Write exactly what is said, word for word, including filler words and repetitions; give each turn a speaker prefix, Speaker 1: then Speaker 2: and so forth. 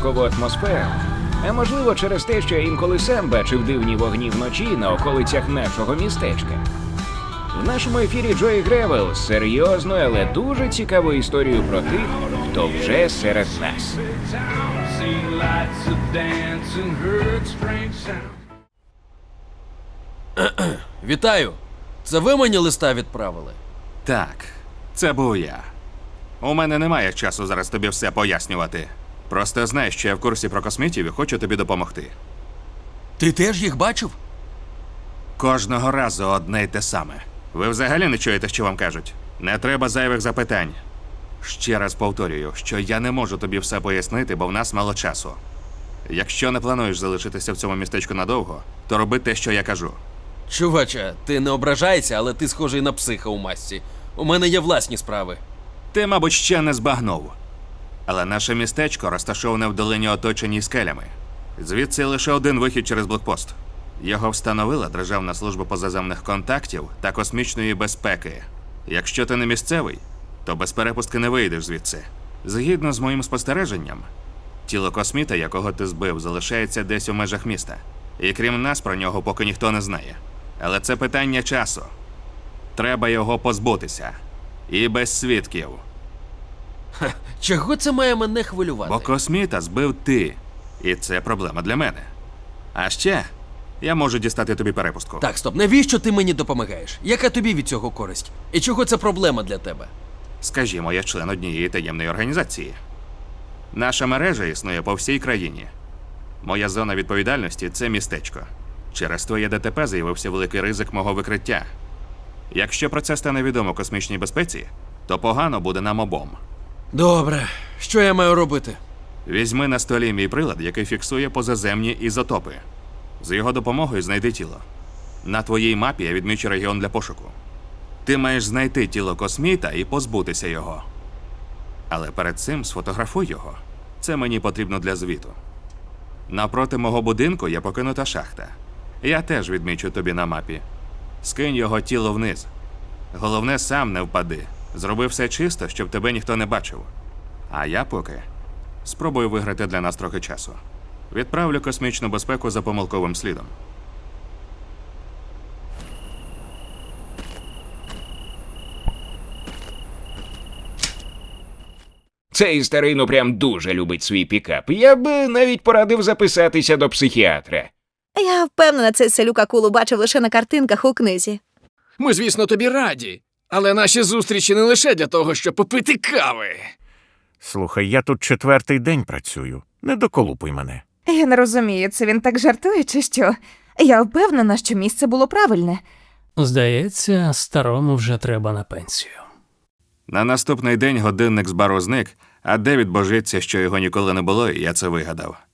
Speaker 1: загадкову атмосферу. А можливо через те, що я інколи сам бачив дивні вогні вночі на околицях нашого містечка. В нашому ефірі Джої Гревел з серйозною, але дуже цікавою історією про тих, хто вже серед нас.
Speaker 2: Вітаю! Це ви мені листа відправили?
Speaker 3: Так, це був я. У мене немає часу зараз тобі все пояснювати. Просто знай, що я в курсі про космітів і хочу тобі допомогти.
Speaker 2: Ти теж їх бачив?
Speaker 3: Кожного разу одне й те саме. Ви взагалі не чуєте, що вам кажуть? Не треба зайвих запитань. Ще раз повторюю, що я не можу тобі все пояснити, бо в нас мало часу. Якщо не плануєш залишитися в цьому містечку надовго, то роби те, що я кажу.
Speaker 2: Чуваче, ти не ображайся, але ти схожий на психа у масці. У мене є власні справи.
Speaker 3: Ти, мабуть, ще не збагнув. Але наше містечко розташоване в долині, оточеній скелями. Звідси лише один вихід через блокпост. Його встановила Державна служба позаземних контактів та космічної безпеки. Якщо ти не місцевий, то без перепустки не вийдеш звідси. Згідно з моїм спостереженням, тіло косміта, якого ти збив, залишається десь у межах міста. І крім нас, про нього поки ніхто не знає. Але це питання часу. Треба його позбутися. І без свідків.
Speaker 2: Ха, чого це має мене хвилювати?
Speaker 3: Бо косміта збив ти. І це проблема для мене. А ще я можу дістати тобі перепустку.
Speaker 2: Так, стоп, навіщо ти мені допомагаєш? Яка тобі від цього користь? І чого це проблема для тебе?
Speaker 3: Скажімо, я член однієї таємної організації. Наша мережа існує по всій країні. Моя зона відповідальності – це містечко. Через твоє ДТП з'явився великий ризик мого викриття. Якщо про це стане відомо космічній безпеці, то погано буде нам обом.
Speaker 2: Добре, що я маю робити?
Speaker 3: Візьми на столі мій прилад, який фіксує позаземні ізотопи. З його допомогою знайди тіло. На твоїй мапі я відмічу регіон для пошуку. Ти маєш знайти тіло косміта і позбутися його. Але перед цим сфотографуй його. Це мені потрібно для звіту. Напроти мого будинку є покинута шахта. Я теж відмічу тобі на мапі. Скинь його тіло вниз. Головне, сам не впади. Зроби все чисто, щоб тебе ніхто не бачив. А я поки спробую виграти для нас трохи часу. Відправлю космічну безпеку за помилковим слідом.
Speaker 1: Цей старий ну прям дуже любить свій пікап. Я б навіть порадив записатися до психіатра.
Speaker 4: Я впевнена, цей селюк акулу бачив лише на картинках у книзі.
Speaker 5: Ми, звісно, тобі раді. Але наші зустрічі не лише для того, щоб попити кави.
Speaker 6: Слухай, я тут четвертий день працюю. Не доколупуй мене.
Speaker 7: Я не розумію, це він так жартує чи що? Я впевнена, що місце було правильне.
Speaker 8: Здається, старому вже треба на пенсію.
Speaker 3: На наступний день годинник з бару зник, а Девід божиться, що його ніколи не було, і я це вигадав.